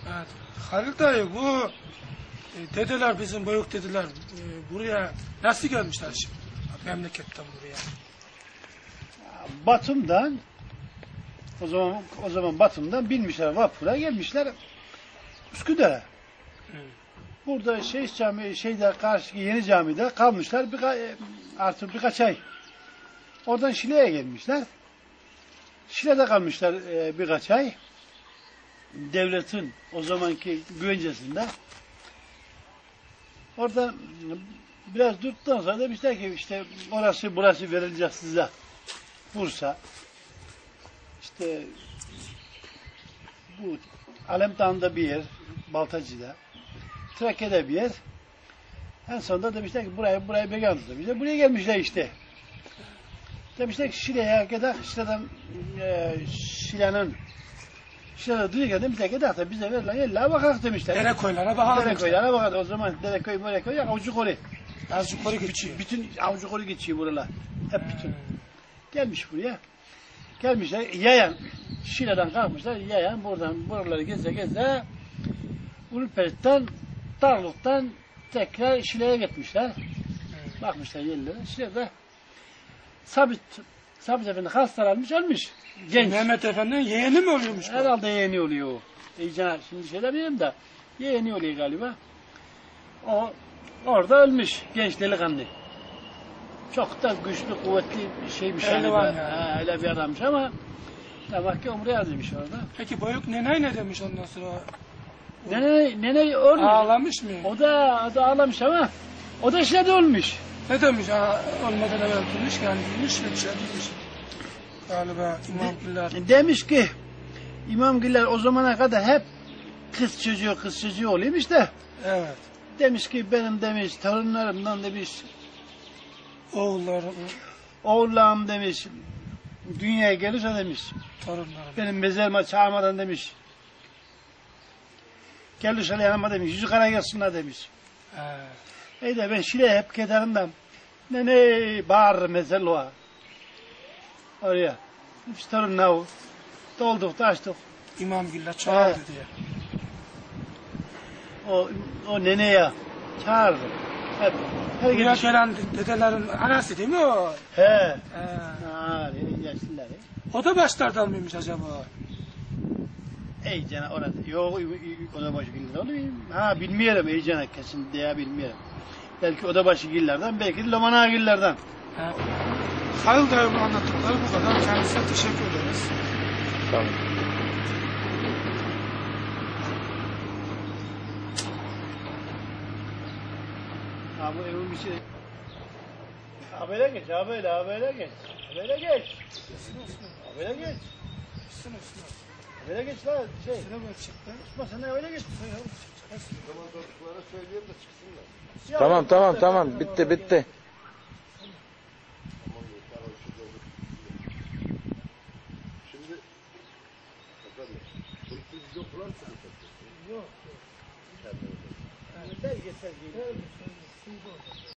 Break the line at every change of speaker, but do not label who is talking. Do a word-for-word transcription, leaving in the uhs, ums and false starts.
Evet. Halil dayı bu e, dedeler bizim büyük dedeler e, buraya nasıl gelmişler şimdi? Memleketten buraya.
Batum'dan o zaman o zaman Batum'dan binmişler vapura gelmişler Üsküdar'a.
Hı.
Burada şey cami şeyde karşı yeni camide kalmışlar birka, artık birkaç ay. Oradan Şile'ye gelmişler. Şile'de kalmışlar e, birkaç ay. Devletin o zamanki güvencesinde. Orada biraz durduktan sonra demişler ki işte orası burası verilecek size. Bursa. İşte bu Alemdağ'da bir yer, Baltacı'da. Trakya'da bir yer. En sonunda demişler ki buraya buraya beyan demişler. Buraya gelmişler işte. Demişler ki Şile'ye kadar Şile'den e, Şile'nin Şile'de duyuyor demişler ki da bize verilen yerlere bakak demişler.
Derekoylara bakalım.
Derekoylara bakalım. O zaman Derekoy, Merekoy yok. Avucu kolu.
Azıcık yukarı geçiyor.
Bütün avucu kolu geçiyor buralar. Hep bütün. Gelmiş buraya. Gelmişler yayan. Şile'den kalkmışlar. Yayan buradan buraları geze geze Ulupert'ten Darlık'tan tekrar Şile'ye gitmişler. Bakmışlar yerlere. Şile'de Sabit Sabit Efendi hastalanmış ölmüş. Genç.
Mehmet Efendi'nin yeğeni mi oluyormuş bu?
Herhalde yeğeni oluyor o. İyice şimdi şey bilmiyorum da yeğeni oluyor galiba. O orada ölmüş genç delikanlı. Çok da güçlü, kuvvetli bir şeymiş. Yani.
Ya.
Öyle bir adammış ama demek ki umre yazmış orada.
Peki büyük neney ne demiş ondan sonra?
Nene, nene ölmüş.
Ağlamış mı?
O da, o da ağlamış ama o da Şile'de ölmüş.
Ne demiş? Ha, olmadan evvel demiş yani demiş ve bir şey demiş. Galiba İmam Güller.
Demiş ki İmam Güller o zamana kadar hep kız çocuğu kız çocuğu oluyormuş da.
Evet.
Demiş ki benim demiş torunlarımdan demiş
Oğulları,
oğullarım demiş dünyaya gelirse demiş
torunları.
benim mezarıma çağırmadan demiş gelirse yanıma demiş yüzü kara gelsinler demiş.
Evet.
İyi de ben Şile'ye hep giderim nene bağırır mezarlığa oraya. Biz torunlar o. Dolduk taştık.
İmam Güller çağırdı
Evet.
diye.
O, o neneye çağırdı. Hep. Her
Buraya
gidiş.
gelen dedelerin anası değil mi o?
He.
He.
Ha, yaşlılar.
O da başlardan mıymış acaba?
Ey cana orada. Yok oda başı giller olur mu? Ha bilmiyorum ey cana kesin diye bilmiyorum. Belki oda başı gillerden belki de Lomana gillerden.
He. Halil dayımın anlattıkları bu kadar. Kendisine teşekkür ederiz.
Tamam.
Ha bu evin bir şey. Habere geç, habere, habere geç. Habere geç. Habere geç.
Üstüne üstüne.
Habere geç lan şey.
Üstüne böyle çıktı.
Osman sen de habere geç. Ya,
Tamam tamam tamam bitti bitti.
Yok. Yani belgesel gibi.